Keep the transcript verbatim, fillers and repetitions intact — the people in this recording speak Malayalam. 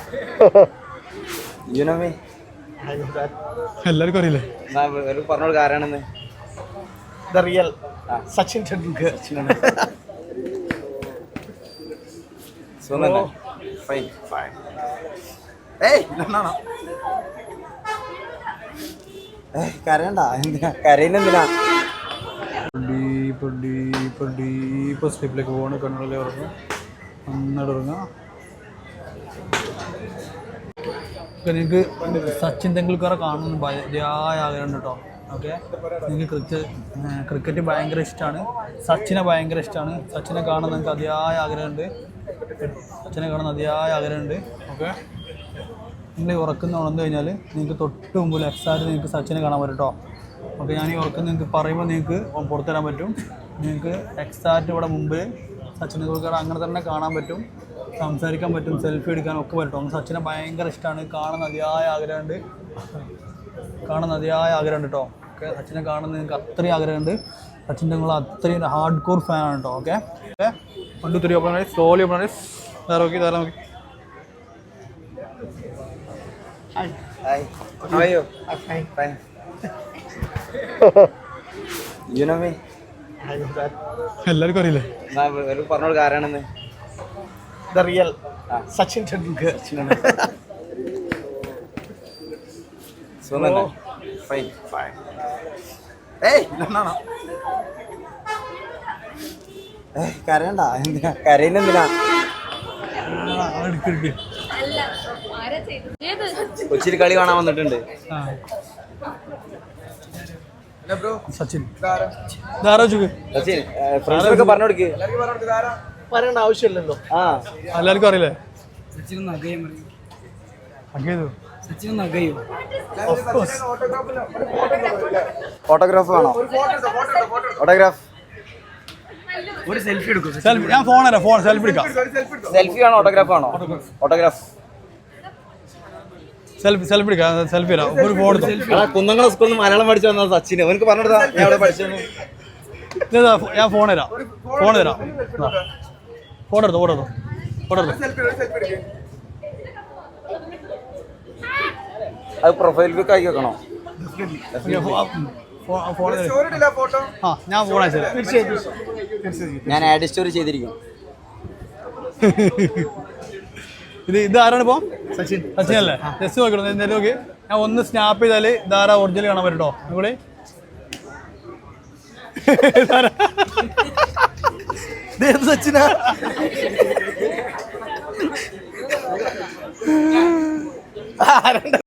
You know me? എല്ലാവർക്കും അറിയില്ലേ? പറഞ്ഞോളൂ ആരാണെന്ന്. The real Sachin Tendulkar. സുഖം ഫൈൻ ഫൈൻ. ഏയ് എന്നാണോ കരയണ്ട, എന്തിനാ കരയുന്നെന്തിനാ? ഡീപ്പ് ഡീപ്പ് ഡീപ്പ് സ്ലീപ്പിലേക്ക് പോകണം. കണ്ണുകളിൽ ഉറങ്ങുക, നന്നായിട്ട് ഉറങ്ങുക. നിങ്ങൾക്ക് സച്ചിൻ തെണ്ടുൽക്കറെ കാണുന്ന ഭയങ്കരമായ ആഗ്രഹം കേട്ടോ. ഓക്കെ, നിങ്ങൾക്ക് ക്രിക്കറ്റ് ക്രിക്കറ്റ് ഭയങ്കര ഇഷ്ടമാണ്, സച്ചിനെ ഭയങ്കര ഇഷ്ടമാണ്. സച്ചിനെ കാണാൻ നിങ്ങൾക്ക് അതിയായ ആഗ്രഹമുണ്ട്, സച്ചിനെ കാണാൻ അതിയായ ആഗ്രഹമുണ്ട്. ഓക്കെ, നിങ്ങൾ ഈ ഉറക്കുന്ന ഉണർന്നു കഴിഞ്ഞാൽ നിങ്ങൾക്ക് തൊട്ട് മുമ്പിൽ എക്സാക്റ്റ് നിങ്ങൾക്ക് സച്ചിനെ കാണാൻ പറ്റും കേട്ടോ. ഓക്കെ, ഞാൻ ഈ ഉറക്കം നിങ്ങൾക്ക് പറയുമ്പോൾ നിങ്ങൾക്ക് പുറത്തുതരാൻ പറ്റും. നിങ്ങൾക്ക് എക്സാക്റ്റ് ഇവിടെ മുമ്പിൽ സച്ചിൻ തെണ്ടുൽക്കർ അങ്ങനെ തന്നെ കാണാൻ പറ്റും, സംസാരിക്കാൻ പറ്റും, സെൽഫി എടുക്കാനും ഒക്കെ പറ്റും. സച്ചിനെ ഭയങ്കര ഇഷ്ടമാണ്, കാണാൻ അതിയായ ആഗ്രഹമുണ്ട്, കാണാൻ അതിയായ ആഗ്രഹമുണ്ട് കേട്ടോ. ഓക്കെ, സച്ചിനെ കാണുന്ന നിങ്ങൾക്ക് അത്രയും ആഗ്രഹമുണ്ട്. സച്ചിൻ നിങ്ങൾ അത്രയും ഹാർഡ് കോർ ഫാനാണ് കേട്ടോ. Okay okay one two three open ആയി സ്ലോലി ഓപ്പൺ ആയി ധാര നോക്കി ധാര നോക്കി. Hi. How are you? I'm fine. Fine. You know me? എല്ലാവർക്കും അറിയില്ലേ? പറഞ്ഞോളൂ ആരാണെന്ന്. The real Sachin Tendulkar. സുഖം ഫൈൻ ഫൈൻ. ഏയ് എന്നാണോ കരയണ്ട, എന്തിനാ കരയുന്നെന്തിനാ? കൊച്ചിയിൽ കളി കാണാൻ വന്നിട്ടുണ്ട്. സച്ചിൻ ധാരാ ചുക്ക് സച്ചിൻ ഫ്രണ്ട്സിനൊക്കെ പറഞ്ഞു കൊടുക്ക്. പറയേണ്ട ആവശ്യമില്ലല്ലോ. ആ എല്ലാവർക്കും അറിയില്ലേ? ഓട്ടോഗ്രാഫ് വേണോ? ഓട്ടോഗ്രാഫ് ഒരു സെൽഫി എടുക്കും. സെൽഫി ഞാൻ ഫോൺ തരാം, ഫോൺ സെൽഫി എടുക്കാം. സെൽഫി ആണോ ഓട്ടോഗ്രാഫ് ആണോ? ഓട്ടോഗ്രാഫ് സെൽഫി സെൽഫി എടുക്കാം, സെൽഫി തരാം. ഒരു ഫോൺ എടുത്തു. കുന്നംകുളം സ്കൂളിൽ നിന്ന് മലയാളം പഠിച്ചു വന്നത് സച്ചിന്. അവനക്ക് പറഞ്ഞെടുത്താ ഞാൻ അവിടെ പഠിച്ചെന്ന്. ഞാൻ ഫോൺ തരാം, ഫോൺ തരാം. ഫോട്ടോ എടുത്തു, ഫോട്ടോ എടുത്തു, ഫോട്ടോ എടുത്തു. അത് പ്രൊഫൈൽ പിക്ക് ആക്കി വെക്കണോ? ആ ഞാൻ ഫോൺ അയച്ചു തരാം. ഞാൻ ആഡ് സ്റ്റോറി ചെയ്തിരിക്കും. ഇത് ഇത് ആരാണ് ഇപ്പോൾ? സച്ചിൻ സച്ചിൻ അല്ലേ? ജസ്റ്റ് നോക്കണം, എന്തായാലും നോക്കി. ഞാൻ ഒന്ന് സ്നാപ്പ് ചെയ്താൽ ഇതാരാ ഒറിജിനൽ കാണാൻ പറ്റും കേട്ടോ. ഇവിടെ സച്ചിനാ